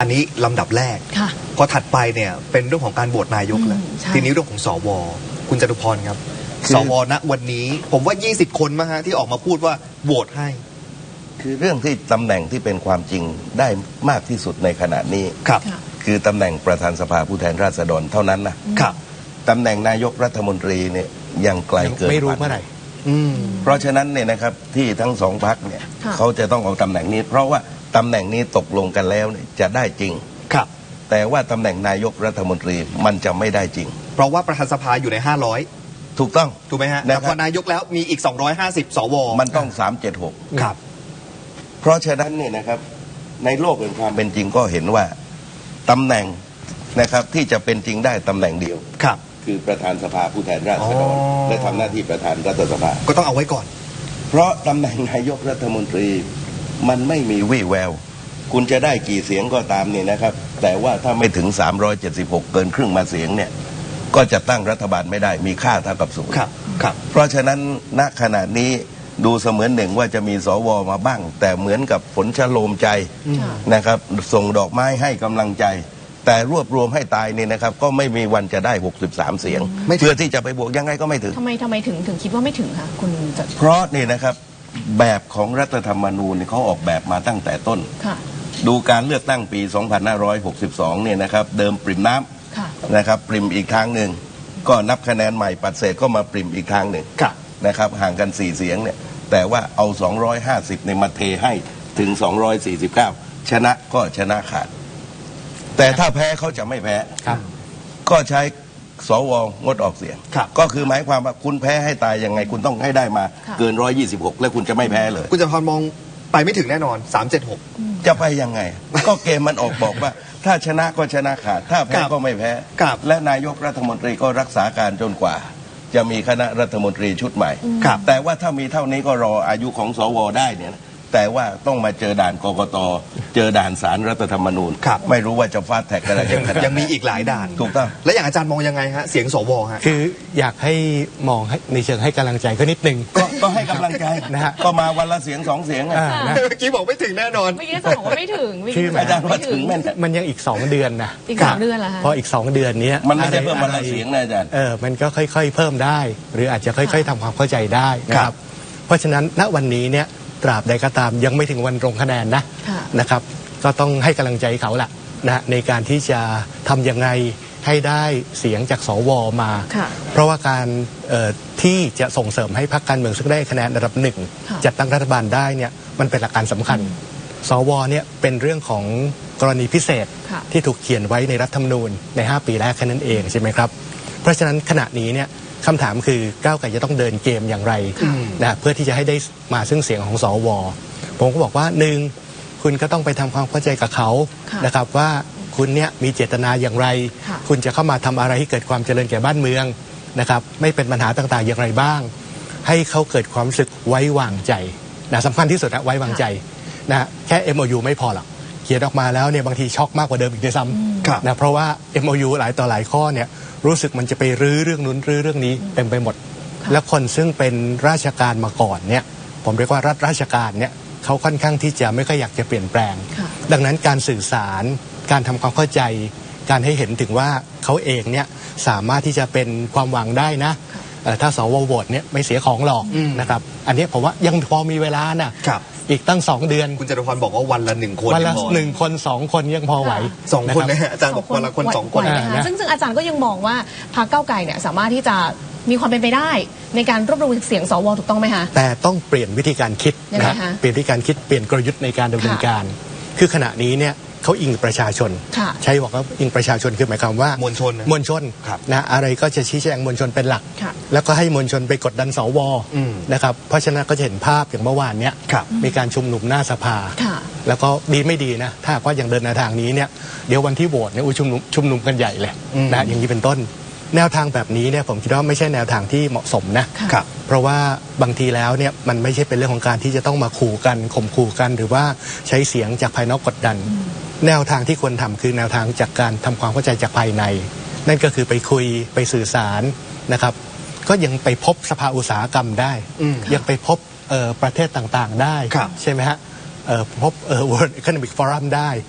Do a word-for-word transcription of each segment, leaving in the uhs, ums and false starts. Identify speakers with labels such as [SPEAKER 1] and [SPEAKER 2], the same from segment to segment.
[SPEAKER 1] นนี้ลำดับแรกพอถัดไปเนี่ยเป็นเรื่องของการโหวตนายกแล้วทีนี้เรื่องของสวคุณจตุพรครับสวณวันนี้ผมว่ายี่สิบคนมั้งฮะที่ออกมาพูดว่าโหวตให้
[SPEAKER 2] คือเรื่องที่ตำแหน่งที่เป็นความจริงได้มากที่สุดในขณะนี้
[SPEAKER 1] ครับ
[SPEAKER 2] คือตำแหน่งประธานสภาผู้แทนราษฎรเท่านั้นนะครับตำแหน่งนายกรัฐมนตรีเนี่ยยังไกลเกิน
[SPEAKER 3] ไม่รู้เมื่อไหร่
[SPEAKER 2] เพราะฉะนั้นเนี่ยนะครับที่ทั้งสองพรรคเนี่ยเขาจะต้องเอาตำแหน่งนี้เพราะว่าตำแหน่งนี้ตกลงกันแล้วเนี่ยจะได้จริง
[SPEAKER 1] ครับ
[SPEAKER 2] แต่ว่าตำแหน่งนายกรัฐมนตรีมันจะไม่ได้จริง
[SPEAKER 1] เพราะว่าประธานสภาอยู่ในห้าร้อย
[SPEAKER 2] ถูกต้อง
[SPEAKER 1] ถูกไหมฮะแต่พอนายกแล้วมีอีกสองร้อยห้าสิบสว
[SPEAKER 2] มันต้องสามเจ็ดหก
[SPEAKER 1] ครับ
[SPEAKER 2] เพราะฉะนั้นเนี่ยนะครับในโลกแห่งความเป็นจริงก็เห็นว่าตำแหน่งนะครับที่จะเป็นจริงได้ตำแหน่งเดียว
[SPEAKER 1] ครับ
[SPEAKER 2] คือประธานสภาผู้แทนราษฎรและทำหน้าที่ประธานรัฐสภา
[SPEAKER 1] ก็ต้องเอาไว้ก่อน
[SPEAKER 2] เพราะตำแหน่งนายกรัฐมนตรีมันไม่มีวี่แววคุณจะได้กี่เสียงก็ตามเนี่ยนะครับแต่ว่าถ้าไม่ถึงสามร้อยเจ็ดสิบหกเกินครึ่งมาเสียงเนี่ยก็จะตั้งรัฐบาลไม่ได้มีค่าเท่ากับศูนย์
[SPEAKER 1] ครับครับ
[SPEAKER 2] เพราะฉะนั้นณขณะนี้ดูเสมือนหนึ่งว่าจะมีสวมาบ้างแต่เหมือนกับผลชโลมใจนะครับส่งดอกไม้ให้กำลังใจแต่รวบรวมให้ตายเนี่ยนะครับก็ไม่มีวันจะได้หกสิบสามเสียงเพื่อที่จะไปบวกยังไงก็ไม่ถึง
[SPEAKER 4] ทำไมทำไมถึงถึงคิดว่าไม่ถึงคะคุณจะ
[SPEAKER 2] เพราะนี่นะครับแบบของรัฐธรรมนูญเขาออกแบบมาตั้งแต่ต้นดูการเลือกตั้งปีสองพันห้าร้อยหกสิบสองเนี่ยนะครับเดิมปริ่มน้ำนะครับปริ่มอีกทางหนึ่งก็นับคะแนนใหม่ปัดเศษก็มาปริ่มอีกทางหนึ่งนะครับห่างกันสี่เสียงเนี่ยแต่ว่าเอาสองร้อยห้าสิบในมาเทให้ถึงสองร้อยสี่สิบเก้าชนะก็ชนะขาดแต่ถ้าแพ้เขาจะไม่แพ้ก็ใช้สวงดออกเสียงก็คือหมายความว่าคุณแพ้ให้ตายยังไงคุณต้องให้ได้มาเกินร้อยยี่สิบหกแล้วคุณจะไม่แพ้เลย
[SPEAKER 1] คุณจะพอมองไปไม่ถึงแน่นอนสามเจ็ดหก
[SPEAKER 2] จะไปยังไงก็เกมมันออกบอกว่าถ้าชนะก็ชนะขาดถ้าแพ้ก็ไม่แพ้และนายกรัฐมนตรีก็รักษาการจนกว่าจะมีคณะรัฐมนตรีชุดใหม่แต่ว่าถ้ามีเท่านี้ก็รออายุของสวได้เนี่ยแต่ว่าต้องมาเจอด่านกกต.เจอด่านศาลรัฐธรรมนูญไม่รู้ว่าจะฟาดแท็กอะไรยัง
[SPEAKER 1] ยังมีอีกหลายด่าน
[SPEAKER 2] ถูกต้อง
[SPEAKER 1] และอย่างอาจารย์มองยังไงฮะเสียงสวฮะ
[SPEAKER 3] คืออยากให้มองในเชิงให้กำลังใจก็นิดนึง
[SPEAKER 2] ก็ให้กำลังใจนะฮะก็มาวันละเสียงสองเสียงเ
[SPEAKER 1] มื่อกี้บอกไม่ถึงแน่นอน
[SPEAKER 4] เมื่อกี้บอกว่าไม่ถึง
[SPEAKER 3] คืออาจารย์ว่าถึงมันยังอีกสองเดือนนะ
[SPEAKER 4] อีกสองเดือนเหรอฮะ
[SPEAKER 3] พออีกสองเดือนนี้
[SPEAKER 2] มันไม่ใช่เพิ่มวันละเสียงนะอาจารย์
[SPEAKER 3] เออมันก็ค่อยๆเพิ่มได้หรืออาจจะค่อยๆทำความเข้าใจได้นะครับเพราะฉะนั้นณวันนี้เนี่ยตราบใดก็ตามยังไม่ถึงวันลงคะแนนนะนะครับก็ต้องให้กำลังใจเขาแหละนะในการที่จะทำยังไงให้ได้เสียงจากสวมาเพราะว่าการที่จะส่งเสริมให้พรรคการเมืองซึ่งได้คะแนนระดับหนึ่งจัดตั้งรัฐบาลได้เนี่ยมันเป็นหลักการสำคัญสวเนี่ยเป็นเรื่องของกรณีพิเศษที่ถูกเขียนไว้ในรัฐธรรมนูญในห้าปีแรกแค่นั้นเองใช่ไหมครับเพราะฉะนั้นขณะนี้เนี่ยคำถามคือก้าวไกลจะต้องเดินเกมอย่างไรนะเพื่อที่จะให้ได้มาซึ่งเสียงของสวผมก็บอกว่าหนึ่งคุณก็ต้องไปทำความเข้าใจกับเขานะครับว่าคุณเนี่ยมีเจตนาอย่างไรคุณจะเข้ามาทำอะไรให้เกิดความเจริญแก่บ้านเมืองนะครับไม่เป็นปัญหาต่างๆอย่างไรบ้างให้เขาเกิดความรู้สึกไว้วางใจนะสำคัญที่สุดนะไว้วางใจนะแค่ เอ็ม โอ ยู ไม่พอหรอกเขียนออกมาแล้วเนี่ยบางทีช็อกมากกว่าเดิมอีกด้วยซ้ำนะเพราะว่า เอ็ม โอ ยู หลายต่อหลายข้อเนี่ยรู้สึกมันจะไปรื้อเรื่องนู้นรื้อเรื่องนี้เต็มไปหมดและคนซึ่งเป็นราชการมาก่อนเนี่ยผมเรียกว่ารัฐราชการเนี่ยเขาค่อนข้างที่จะไม่ค่อยอยากจะเปลี่ยนแปลงดังนั้นการสื่อสารการทำความเข้าใจการให้เห็นถึงว่าเขาเองเนี่ยสามารถที่จะเป็นความหวังได้นะถ้าสวโหวตเนี่ยไม่เสียของหรอกนะครับอันนี้ผมว่ายังพอมีเวลานะอีกตั้งสองเดือน
[SPEAKER 1] คุณจตุพรบอกว่าวันละหนึ่งคน
[SPEAKER 3] วันละหนึ่งคนสองคนยังพอไหว
[SPEAKER 1] สองคนนะฮะอาจารย์บอกวันละคนสองคน
[SPEAKER 4] นะซึ่งซึ่งอาจารย์ก็ยังมองว่าพรรคก้าวไกลเนี่ยสามารถที่จะมีความเป็นไปได้ในการรวบรวมเสียงสวถูกต้องไหมคะ
[SPEAKER 3] แต่ต้องเปลี่ยนวิธีการคิดนะเปลี่ยนวิธีการคิดเปลี่ยนกลยุทธ์ในการดำเนินการคือขณะนี้เนี่ยเขาอิงประชาชนใช้บอกว่าอิงประชาชนคือหมายความว่าม
[SPEAKER 1] วลชน
[SPEAKER 3] มวลชนนะอะไรก็จะชี้แจงมวลชนเป็นหลักแล้วก็ให้มวลชนไปกดดันสวนะครับเพราะฉะนั้นก็จะเห็นภาพอย่างเมื่อวานเนี้ยมีการชุมนุมหน้าสภาแล้วก็ดีไม่ดีนะถ้าว่ายังเดินในทางนี้เนี่ยเดี๋ยววันที่โหวตเนี่ยชุมนุมชุมนุมกันใหญ่เลยนะอย่างนี้เป็นต้นแนวทางแบบนี้เนี่ยผมคิดว่าไม่ใช่แนวทางที่เหมาะสมนะเพราะว่าบางทีแล้วเนี่ยมันไม่ใช่เป็นเรื่องของการที่จะต้องมาขู่กันข่มขู่กันหรือว่าใช้เสียงจากภายนอกกดดันแนวทางที่ควรทำคือแนวทางจากการทำความเข้าใจจากภายในนั่นก็คือไปคุยไปสื่อสารนะครับก็ยังไปพบสภาอุตสาหกรรมได้ยังไปพบประเทศต่างๆได้ใช่ไหมฮะพบ World Economic Forum ได้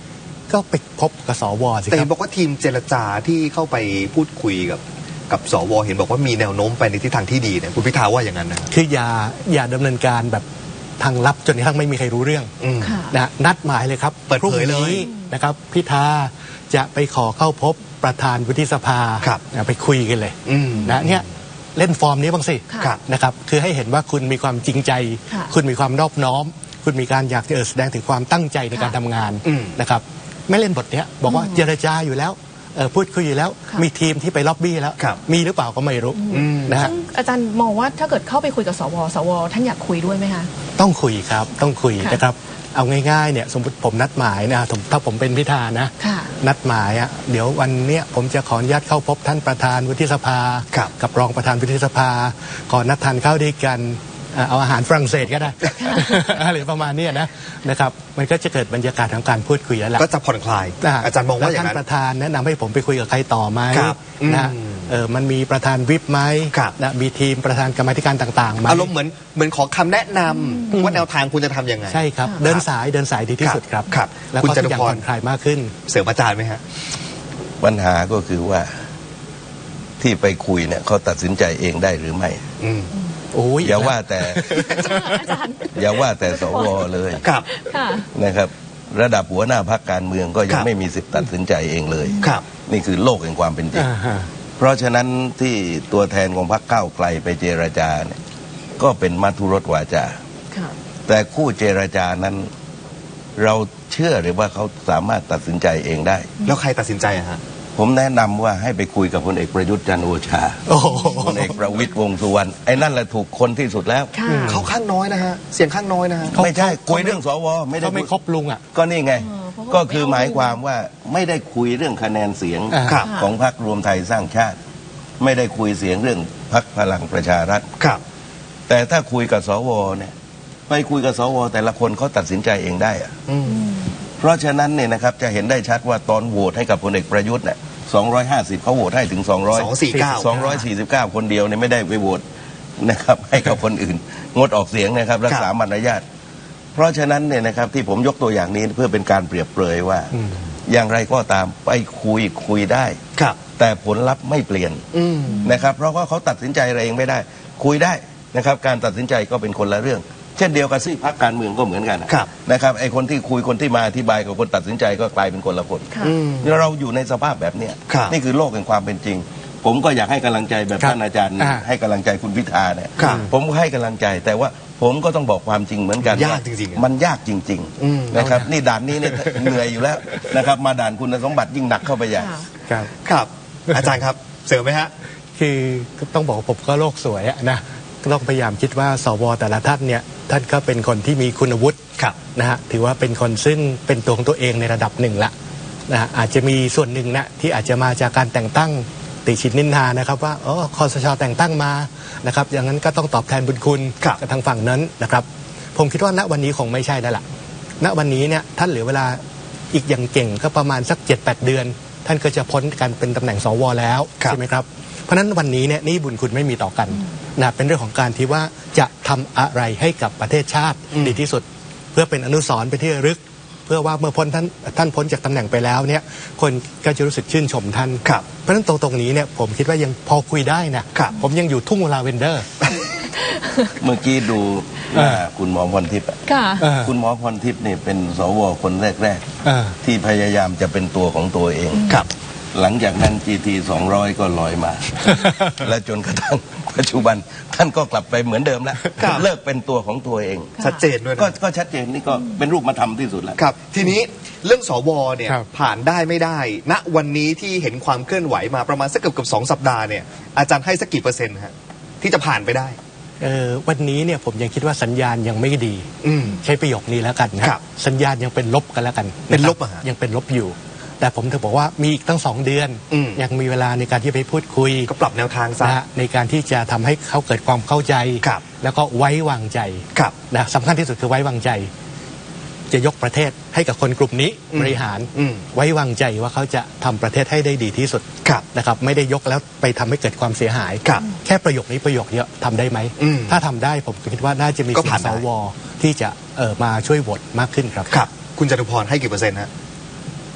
[SPEAKER 3] ก็ไปพบกับสวสิ
[SPEAKER 1] แต่
[SPEAKER 3] ค
[SPEAKER 1] เห็
[SPEAKER 3] รั
[SPEAKER 1] น
[SPEAKER 3] บ
[SPEAKER 1] บอกว่าทีมเจรจาที่เข้าไปพูดคุยกับกับสวเห็นบอกว่ามีแนวโน้มไปในทิศทางที่ดีเนี่ยคุณพิธาว่าอย่างนั้นนะ
[SPEAKER 3] คืออย่าอย่าดำเนินการแบบทางลับจนกระทั่งไม่มีใครรู้เรื่อง
[SPEAKER 1] อืม
[SPEAKER 4] ค่ะ
[SPEAKER 3] นะนัดหมายเลยครับ
[SPEAKER 1] เปิดเผยเลย
[SPEAKER 3] พรุ่งนี้นะครับพิธาจะไปขอเข้าพบประธานวุฒิสภา
[SPEAKER 1] ครับ
[SPEAKER 3] นะไปคุยกันเลย
[SPEAKER 1] อืม
[SPEAKER 3] นะเนี่ยเล่นฟอร์มนี้บ้างสิ
[SPEAKER 4] ค่ะ
[SPEAKER 1] ครับ
[SPEAKER 3] นะครับคือให้เห็นว่าคุณมีความจริงใจ
[SPEAKER 4] ค่ะ
[SPEAKER 3] คุณมีความนอบน้อม คุณมีการอยากจะแสดงถึงความตั้งใจในการ
[SPEAKER 4] ค่ะ
[SPEAKER 3] ทำงาน
[SPEAKER 1] อืม
[SPEAKER 3] นะครับไม่เล่นบทเนี้ยบอกว่าเจรจาอยู่แล้วเอ่อพูดคุยอยู่แล้ว
[SPEAKER 4] ค่ะ
[SPEAKER 3] มีทีมที่ไปล็อบบี้แล้ว
[SPEAKER 1] ครับ
[SPEAKER 3] มีหรือเปล่าก็ไม่รู้
[SPEAKER 1] อืม
[SPEAKER 3] นะฮะ
[SPEAKER 4] ซึ่งอาจารย์มองว่าถ้าเกิดเข้าไปคุยกับสวสวท่านอยากคุยด้วยไหมคะ
[SPEAKER 3] ต้องคุยครับต้องคุย
[SPEAKER 4] ค่ะ
[SPEAKER 3] นะครับเอาง่ายๆเนี่ยสมมติผมนัดหมายนะผมถ้าผมเป็นพิธานะ
[SPEAKER 4] ค่ะ
[SPEAKER 3] นัดหมายอ่ะเดี๋ยววันเนี้ยผมจะขออนุญาตเข้าพบท่านประธานวุฒิสภา
[SPEAKER 1] ครับ
[SPEAKER 3] กับรองประธานวุฒิสภาขอนัดทานข้าวด้วยกันอ่ะเอาอาหารฝรั่งเศสก็ได้ อะไรประมาณเนี้ยนะนะครับมันก็จะเกิดบรรยากาศของการพูดคุยแล้วล่ะ
[SPEAKER 1] ก็จะผ่อนคลาย อาจารย์มองว่าอย่าง
[SPEAKER 3] แล้ว
[SPEAKER 1] นั้น
[SPEAKER 3] ท่านประธานแนะนำให้ผมไปคุยกับใครต่อไหม
[SPEAKER 1] ครับ
[SPEAKER 3] นะ
[SPEAKER 1] อืม
[SPEAKER 3] เออมันมีประธานวิปไหม
[SPEAKER 1] ครับ
[SPEAKER 3] นะมีทีมประธานกรรมาธิการต่างๆไหม
[SPEAKER 1] อารมณ์เหมือนเหมือนขอคำแนะนำว่าแนวทางคุณจะทำยังไง
[SPEAKER 3] ใช่ครับ
[SPEAKER 4] ค่ะ
[SPEAKER 3] เดินสายเดินสายดีที่สุดครับ
[SPEAKER 1] ครับ
[SPEAKER 3] แล้ว
[SPEAKER 1] คุณ
[SPEAKER 3] ก็
[SPEAKER 1] จ
[SPEAKER 3] ทุ
[SPEAKER 1] ตุ
[SPEAKER 3] กอย่าง
[SPEAKER 1] พร
[SPEAKER 3] ผ่อนคลายมากขึ้น
[SPEAKER 1] เสริมอาจารย์ไหมฮะ
[SPEAKER 2] ปัญหาก็คือว่าที่ไปคุยเนี่ยเขาตัดสินใจเองได้หรือไม่
[SPEAKER 1] อืม
[SPEAKER 3] โอ้ย
[SPEAKER 2] อย่าว่าแต่
[SPEAKER 4] อาจารย์
[SPEAKER 2] อย่าว่าแต่สวเลย
[SPEAKER 1] ครับ
[SPEAKER 4] ค่ะ
[SPEAKER 2] นะครับ ระดับหัวหน้าพรรคการเมืองก็ยั
[SPEAKER 1] ค
[SPEAKER 2] ง
[SPEAKER 1] รับ
[SPEAKER 2] ไม่มีสิทธิ์ตัดสินใจเองเลย
[SPEAKER 1] ครับ
[SPEAKER 2] นี่คือโลกแห่งความเป็นจริง
[SPEAKER 3] อ่าฮะ
[SPEAKER 2] เพราะฉะนั้นที่ตัวแทนของพรรคก้าวไกลไปเจรจาเนี่ยก็เป็นมัทุรสวาจา
[SPEAKER 4] ค่ะ
[SPEAKER 2] แต่คู่เจรจานั้น เราเชื่อหรือว่าเขาสามารถตัดสินใจเองได้
[SPEAKER 1] แล้วใครตัดสินใจอะฮะ
[SPEAKER 2] ผมแนะนำว่าให้ไปคุยกับพลเอกประยุทธ์จันทร์โอชา
[SPEAKER 3] โอ้โห
[SPEAKER 2] พลเอกประวิตรวงษ์สุวรรณไอ้นั่นแหละถูกคนที่สุดแล้ว
[SPEAKER 4] ค่ะ
[SPEAKER 1] เขาข้างน้อยนะฮะ เสียงข้างน้อยนะฮะ
[SPEAKER 3] เขา
[SPEAKER 2] ไม่ใช่
[SPEAKER 3] เขา
[SPEAKER 2] คุยเรื่องสวไม่ได้
[SPEAKER 3] เขาไม่
[SPEAKER 2] คุย
[SPEAKER 3] ครบลุงอ่ะ
[SPEAKER 2] ก็นี่ไง
[SPEAKER 4] เออเพราะว่า
[SPEAKER 2] ก็คือหมายความว่าไม่ได้คุยเรื่องคะแนนเสียง
[SPEAKER 3] อ่า
[SPEAKER 1] ครับ
[SPEAKER 2] ของพรรครวมไทยสร้างชาติ ไม่ได้คุยเสียงเรื่องพรรคพลังประชารัฐ
[SPEAKER 1] ครับ
[SPEAKER 2] แต่ถ้าคุยกับสวเนี่ยไปคุยกับสวแต่ละคนเขาตัดสินใจเองได้อะ
[SPEAKER 1] อืม
[SPEAKER 2] เพราะฉะนั้นเนี่ยนะครับจะเห็นได้ชัดว่าตอนโหวตให้กับพลเอกประยุทธ์เนี่ยสองร้อยห้าสิบเขาโหวตให้ถึงสองร้อย
[SPEAKER 1] สองสี่เก้า
[SPEAKER 2] สองร้อยสี่สิบเก้าคนเดียวเนี่ยไม่ได้ไปโหวตนะครับ ให้กับคนอื่น งดออกเสียงนะครับ รักษามารยาทเพราะฉะนั้นเนี่ยนะครับที่ผมยกตัวอย่างนี้เพื่อเป็นการเปรียบเปรยว่า
[SPEAKER 3] อืม
[SPEAKER 2] อย่างไรก็ตามไปคุยคุยได้
[SPEAKER 1] ครับ
[SPEAKER 2] แต่ผลลัพธ์ไม่เปลี่ยน
[SPEAKER 1] อืม
[SPEAKER 2] นะครับ เพราะว่าเขาตัดสินใจอะไรเองไม่ได้ คุยได้นะครับ การตัดสินใจก็เป็นคนละเรื่อง เช่นเดียวกับซีกพรรคการเมืองก็เหมือนกันนะครับ นะครับไอ้คนที่คุยคนที่มาอธิบายกับคนตัดสินใจก็กลายเป็นคนละคน
[SPEAKER 4] ค่ะ
[SPEAKER 1] อืม
[SPEAKER 2] เราอยู่ในสภาพแบบเนี้ย
[SPEAKER 1] ครับ
[SPEAKER 2] นี่คือโลกแห่งความเป็นจริง ผมก็อยากให้กำลังใจแบบ
[SPEAKER 3] ครับ
[SPEAKER 2] ท่านอาจารย์
[SPEAKER 3] อ่า
[SPEAKER 2] ให้กำลังใจคุณพิธาเนี่ย
[SPEAKER 1] ครับ
[SPEAKER 2] ผมก็ให้กำลังใจ แต่ว่าผมก็ต้องบอกความจริงเหมือนกัน
[SPEAKER 1] ยาก
[SPEAKER 2] ว่
[SPEAKER 1] จริงๆอะ
[SPEAKER 2] มันยากจริง
[SPEAKER 1] อืม
[SPEAKER 2] ๆนะครับนี่ด่านนี้เนี่ย เหนื่อยอยู่แล้วนะครับมาด่านคุณสมบัติยิ่งหนักเข้าไปใหญ่
[SPEAKER 4] ค่ะ
[SPEAKER 3] ครับ
[SPEAKER 1] ครับ อาจารย์ครับ เสริมไหมฮะ
[SPEAKER 3] คือต้องบอกว่าผมก็โลกสวยอะนะก็ต้องพยายามคิดว่าสวแต่ละท่านเนี่ยท่านก็เป็นคนที่มีคุณวุฒิ
[SPEAKER 1] ครับ
[SPEAKER 3] นะฮะถือว่าเป็นคนซึ่งเป็นตัวของตัวเองในระดับหนึ่งละนะฮะอาจจะมีส่วนหนึ่งนะที่อาจจะมาจากการแต่งตั้งติชินนินทานะครับว่าอ๋อคอสชแต่งตั้งมานะครับอย่างนั้นก็ต้องตอบแทนบุญคุณ
[SPEAKER 1] ครับ
[SPEAKER 3] กับทางฝั่งนั้นนะครับผมคิดว่าณวันนี้คงไม่ใช่แล้วล่ะณวันนี้เนี่ยท่านเหลือเวลาอีกอย่างเก่งก็ประมาณสัก เจ็ดแปด เดือน ท่านก็จะพ้นการเป็นตำแหน่งสวแล้ว
[SPEAKER 1] ครับ
[SPEAKER 3] ใช่ไหมครับเพราะฉะนั้นวันนี้เนี่ยหนี่บุญคุณไม่มีต่อกันนะเป็นเรื่องของการที่ว่าจะทำอะไรให้กับประเทศชาติ
[SPEAKER 1] อืม
[SPEAKER 3] ดีที่สุด เพื่อเป็นอนุสรณ์เป็นที่ระลึก เพื่อว่าเมื่อพ้นท่านท่านพ้นจากตำแหน่งไปแล้วเนี่ยคนก็จะรู้สึกชื่นชมท่าน
[SPEAKER 1] ครับ
[SPEAKER 3] เพราะฉะนั้นตรงตรงนี้เนี่ยผมคิดว่ายังพอคุยได้นะครับ ผมยังอยู่ทุ่งลาเวนเดอร์
[SPEAKER 2] เมื่อกี้ดูหน้าคุณหมอพรทิพย์อะ
[SPEAKER 4] ค่ะ
[SPEAKER 3] เออ
[SPEAKER 2] คุณหมอพรทิพย์นี่เป็นสวคนแรก
[SPEAKER 3] เออ
[SPEAKER 2] ๆ ที่พยายามจะเป็นตัวของตัวเอง
[SPEAKER 1] ครับ
[SPEAKER 2] หลังจากนั้น จี ที สองร้อย ก็ลอยมา และจนกระทั่งปัจจุบันท่านก็กลับไปเหมือนเดิมแล้ว
[SPEAKER 1] ครับ
[SPEAKER 2] เลิกเป็นตัวของตัวเอง
[SPEAKER 1] ชัดเจนด้วย
[SPEAKER 2] ก็
[SPEAKER 1] นะ
[SPEAKER 2] ก็ชัดเจนนี่ก็เป็นรูปมาทำที่สุดแล้ว
[SPEAKER 1] ครับ ทีนี้เรื่องสวเนี่ย
[SPEAKER 3] ครับ
[SPEAKER 1] ผ่านได้ไม่ได้ ณ วันนี้ที่เห็นความเคลื่อนไหวมาประมาณสักเกือบเกือบสองสัปดาห์เนี่ย อาจารย์ให้สักกี่เปอร์เซ็นต์ฮะที่จะผ่านไปได้
[SPEAKER 3] เออวันนี้เนี่ยผมยังคิดว่าสัญญาณยังไม่ดี
[SPEAKER 1] อืม
[SPEAKER 3] ใช้ประโยคนี้แล้วกันนะครับ สัญญาณยังเป็นลบกันแล้วกัน
[SPEAKER 1] เป็นลบ
[SPEAKER 3] ครั
[SPEAKER 1] อะฮะ
[SPEAKER 3] ยังเป็นลบอยู่ แต่ผมถึงบอกว่ามีอีกตั้งสองเดือน
[SPEAKER 1] อืม
[SPEAKER 3] ยังมีเวลาในการที่ไปพูดคุย
[SPEAKER 1] ก็ปรับแนวทางซะ
[SPEAKER 3] นะฮะในการที่จะทำให้เขาเกิดความเข้าใจ
[SPEAKER 1] ครับ
[SPEAKER 3] แล้วก็ไว้วางใจ
[SPEAKER 1] ครับ
[SPEAKER 3] นะสำคัญที่สุดคือไว้วางใจ จะยกประเทศให้กับคนกลุ่มนี้
[SPEAKER 1] อืม
[SPEAKER 3] บริหาร
[SPEAKER 1] อืม
[SPEAKER 3] ไว้วางใจว่าเขาจะทำประเทศให้ได้ดีที่สุด
[SPEAKER 1] ครับ
[SPEAKER 3] นะครับไม่ได้ยกแล้วไปทำให้เกิดความเสียหาย
[SPEAKER 1] ครับ
[SPEAKER 3] แค่ประโยคนี้ประโยคเดียวทำได้ไหม
[SPEAKER 1] อืม
[SPEAKER 3] ถ้าทำได้ผมคิดว่าน่าจะมี
[SPEAKER 1] ก็
[SPEAKER 3] เสีย
[SPEAKER 1] ผ่าง น
[SPEAKER 3] ส
[SPEAKER 1] ได้
[SPEAKER 3] วที่จะเออมาช่วยโหวตมากขึ้นครับ
[SPEAKER 1] ครับ คุณจตุพรให้กี่เปอร์เซ็นต์ฮะ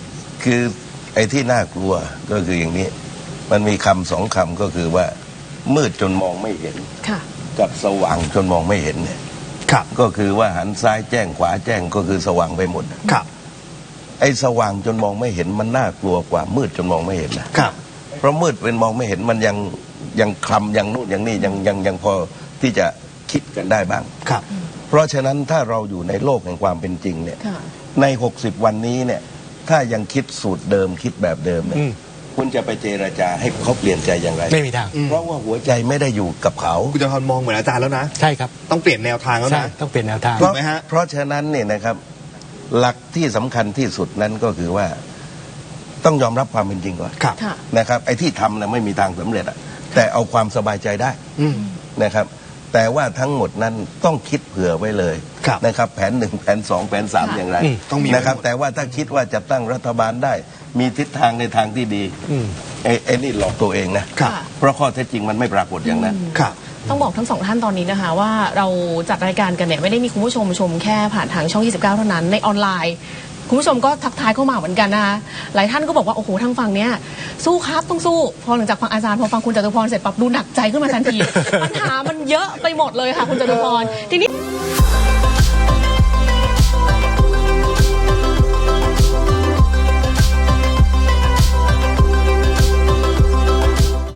[SPEAKER 2] คือไอ้ที่น่ากลัวก็คืออย่างนี้ มันมีคำสองคำก็คือว่ามืดจนมองไม่เห็น
[SPEAKER 4] ค่ะ
[SPEAKER 2] กับสว่างจนมองไม่เห็นเนี่ย
[SPEAKER 1] ครับ
[SPEAKER 2] ก็คือว่าหันซ้ายแจ้งขวาแจ้งก็คือสว่างไปหมด
[SPEAKER 1] ครับ
[SPEAKER 2] ไอ้สว่างจนมองไม่เห็นมันน่ากลัวกว่ามืดจนมองไม่เห็นนะครับ เพราะมืดเป็นมองไม่เห็นมันยังยังคลำยังนู่นยังนี่ยังยังยังพอที่จะคิดกันได้บ้าง
[SPEAKER 1] ครับ
[SPEAKER 2] เพราะฉะนั้นถ้าเราอยู่ในโลกแห่งความเป็นจริงเนี่ย
[SPEAKER 4] ค่ะ
[SPEAKER 2] ในหกสิบวันนี้เนี่ยถ้ายังคิดสูตรเดิมคิดแบบเดิมเนี่ย
[SPEAKER 3] อืม
[SPEAKER 2] คุณจะไปเจรจาให้เขาเปลี่ยนใจอย่างไร
[SPEAKER 3] ไม่มีทาง
[SPEAKER 2] เพราะว่าหัวใจไม่ได้อยู่กับเขา
[SPEAKER 1] คุณจตุพรมองเหมือนอาจารย์แล้วนะ
[SPEAKER 3] ใช่ครับ
[SPEAKER 1] ต้องเปลี่ยนแนวทางแล้ว
[SPEAKER 3] ใช่
[SPEAKER 1] นะ
[SPEAKER 3] ต้องเปลี่ยนแนวทาง
[SPEAKER 2] เพราะ
[SPEAKER 1] ถูกไหมฮะ
[SPEAKER 2] เพราะฉะนั้นเนี่ยนะครับ หลักที่สำคัญที่สุดนั้นก็คือว่า ต้องยอมรับความเป็นจริงก่อน
[SPEAKER 1] ครับ
[SPEAKER 4] ค่ะ
[SPEAKER 2] นะครับ ไอ้ที่ทำนะไม่มีทางสำเร็จอะแต่เอาความสบายใจได้
[SPEAKER 1] อืม
[SPEAKER 2] นะครับ แต่ว่าทั้งหมดนั้นต้องคิดเผื่อไว้เลย
[SPEAKER 1] ครับ
[SPEAKER 2] นะครับ แผนหนึ่งแผนสองแผนสาม
[SPEAKER 4] ค่ะ
[SPEAKER 2] อย่างไร
[SPEAKER 3] อืม
[SPEAKER 1] ต้องมี
[SPEAKER 2] นะครับ
[SPEAKER 1] ไว้หมด
[SPEAKER 2] แต่ว่าถ้าคิดว่าจะตั้งรัฐบาลได้ มีทิศทางในทางที่ดี
[SPEAKER 3] อืม
[SPEAKER 2] ไอ้ไอ้นี่หลอกตัวเองนะ
[SPEAKER 1] ครับ
[SPEAKER 4] ค่ะ
[SPEAKER 2] เพราะข้อเท็จจริงมันไม่ปรากฏอย่างนั้น
[SPEAKER 1] ครับ
[SPEAKER 4] ต้องบอกทั้งสองท่านตอนนี้นะคะว่าเราจัดรายการกันเนี่ยไม่ได้มีคุณผู้ชมชมแค่ผ่านทางช่อง ยี่สิบเก้า เท่านั้นในออนไลน์ คุณผู้ชมก็ทักทายเข้ามาเหมือนกันนะคะหลายท่านก็บอกว่าโอ้โหทางฝั่งเนี้ยสู้ครับต้องสู้พอหลังจากฟังอาจารย์พอฟังคุณจตุพรเสร็จปั๊บดูหนักใจขึ้นมาทันที ปัญหามันเยอะไปหมดเลยค่ะคุณจตุพรทีนี้